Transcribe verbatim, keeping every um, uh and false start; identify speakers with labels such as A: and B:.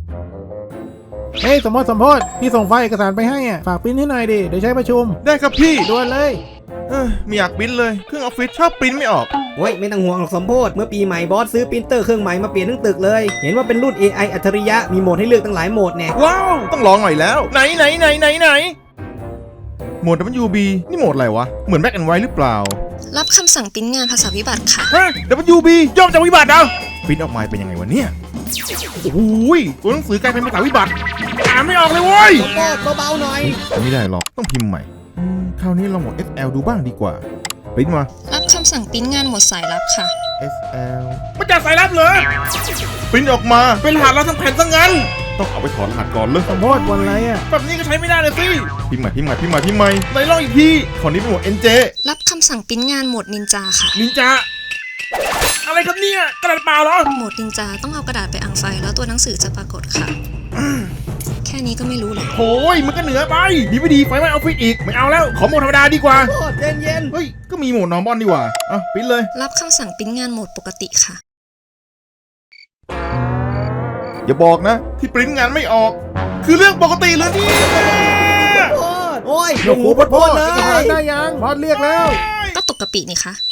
A: เฮ้ยสมโพธสมโพธพี่ส่งไฟล์เอกสารไปให้อ่ะฝากปริ้นให้หน่อยดิเดี๋ยวใช้ประชุม
B: ได้ครับพี่
A: ด่วนเลย
B: เออไม่อยากปริ้นเลยเครื่องออฟฟิศชอบปริ้นไม่ออก
C: โอ้ยไม่ต้องห่วงหรอกสมโพธเมื่อปีใหม่บอสซื้อปรินเตอร์เครื่องใหม่มาเปลี่ยนทั้งตึกเลยเห็นว่าเป็นรุ่น เอ ไอ อัจฉริยะมีโหมดให้เลือกตั้งหลายโหมดแน่
B: ว้าวต้องลองหน่อยแล้วไหนไหนไหนไหนไหนโหมด ดับเบิลยู บี นี่โหมดอะไรวะเหมือนแบ็กแอนด์ไวท์หรือเปล่า
D: รับคำสั่งปริ้นงานภาษาวิบัติค่ะ
B: ฮะ ดับเบิลยู บี ย่อมาจากวิบัติเหรอปริ้นออกมาเป็นยังไงวะเนี่ยโอ้ยตัวหนังสือกลายเป็นภาษาวิบัติอ่านไม่ออกเลยเว้ย
C: สมโพธเบาๆหน่อย
B: ไม่ได้หรอกต้องพิมพ์ใหม่คราวนี้ลองโหมด เอส แอล ดูบ้างดีกว่าปริ้นมา
D: รับคำสั่งปริ้นงานหมวดสายลับค่ะ
B: เอส แอล ไม่จัดสายลับเลยปริ้นออกมาเป็นรหัสเราทั้งแผ่นซะงั้นต้องเอาไปถอดรหัสก่อนเลย
A: สมโพธวันอะไรอ่ะ
B: แบบนี้ก็ใช้ไม่ได้เลยสิพิมพ์ใหม่พิมพ์ใหม่พิมพ์ใหม่พิมพ์ใหม่ไหนลองอีกทีขอนี้เป็นหมวด เอ็น เจ
D: รับคำสั่งปริ้นงานหมวดนินจาค่ะ
B: นินจาอะไรครับเนี่ยกระดาษเปล่าเหรอ
D: หมวดนินจาต้องเอากระดาษไปอังไฟแล้วตัวหนังสือจะปรากฏค่ะแค่นี้ก็ไม่รู้หรอ
B: โอ้ยมันก็เหนือไปดีไม่ดีไฟไหม้ออฟฟิศอีกไม่เอาแล้วขอโหมดธรรมดาดีกว่า
C: โอ้เย็นเย็น
B: เฮ้ยก็มีโหมดนอร์มอลดีกว่าอ่ะปิ้นเลย
D: รับคำสั่งปริ้นงานโหมดปกติค่ะ
B: อย่าบอกนะที่ปริ้นงานไม่ออกคือเรื่องปกติเลยนี่
C: โอ้ย
A: โอ้โหพอดเลยได้ยังบอสเรียกแล้ว
D: ก็ตกกะปินี่คะ